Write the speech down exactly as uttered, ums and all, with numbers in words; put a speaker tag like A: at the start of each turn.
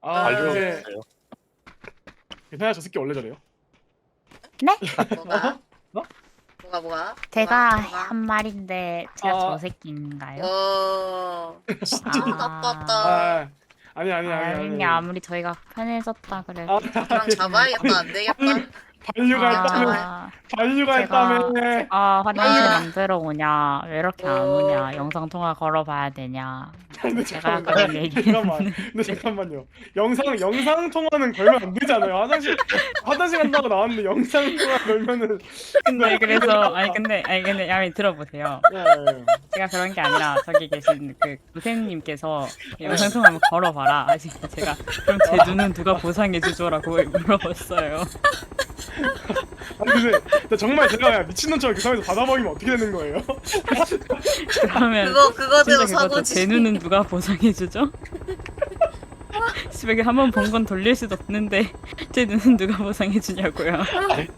A: 아
B: 관료
A: 이제
B: 없어요.
A: 괜찮아 저 새끼 원래 저래요.
C: 뭐가?
A: 어?
C: 뭐가 뭐가?
D: 제가
C: 뭐가?
D: 한 말인데 제가
A: 아.
D: 저 새끼인가요?
C: 어. 진짜
D: 아.
C: 나빴다.
A: 아 아니 아니 아니
D: 아니
A: 아니.
D: 아무리 저희가 편해졌다 그래도
A: 아,
C: 그냥 잡아야겠다. 안 되겠다.
A: 반류가 했다며.
D: 아,
A: 반류가
D: 제가-
A: 했다며.
D: 아 화장실
C: 아유.
D: 만들어 오냐 왜 이렇게 안
C: 어.
D: 오냐 영상 통화 걸어봐야 되냐
A: 근데
D: 제가
A: 잠깐만.
D: 그런 얘기
A: 잠깐만. 근데 잠깐만요. 영상 영상 통화는 걸면 안 되잖아요. 화장실 화장실 간다고 나왔는데 영상 통화 걸면은.
D: 근데 그래서 아니 근데 아니 근데 야미 들어보세요
A: 예, 예.
D: 제가 그런 게 아니라 저기 계신 그 고생님께서 영상 통화 한번 걸어봐라 아직 제가 그럼 제 눈은 누가 보상해 주죠라고 물어봤어요.
A: 아니 근데 근데 정말 제가 그냥 미친놈처럼 그 상황에서 받아먹이면 어떻게 되는 거예요?
D: 그러면
C: 그거 그거대로
D: 진짜 그거죠.
C: 사고지.
D: 제 눈은 누가 보상해 주죠? 집에 한번 본 건 돌릴 수도 없는데 제 눈은 누가 보상해 주냐고요.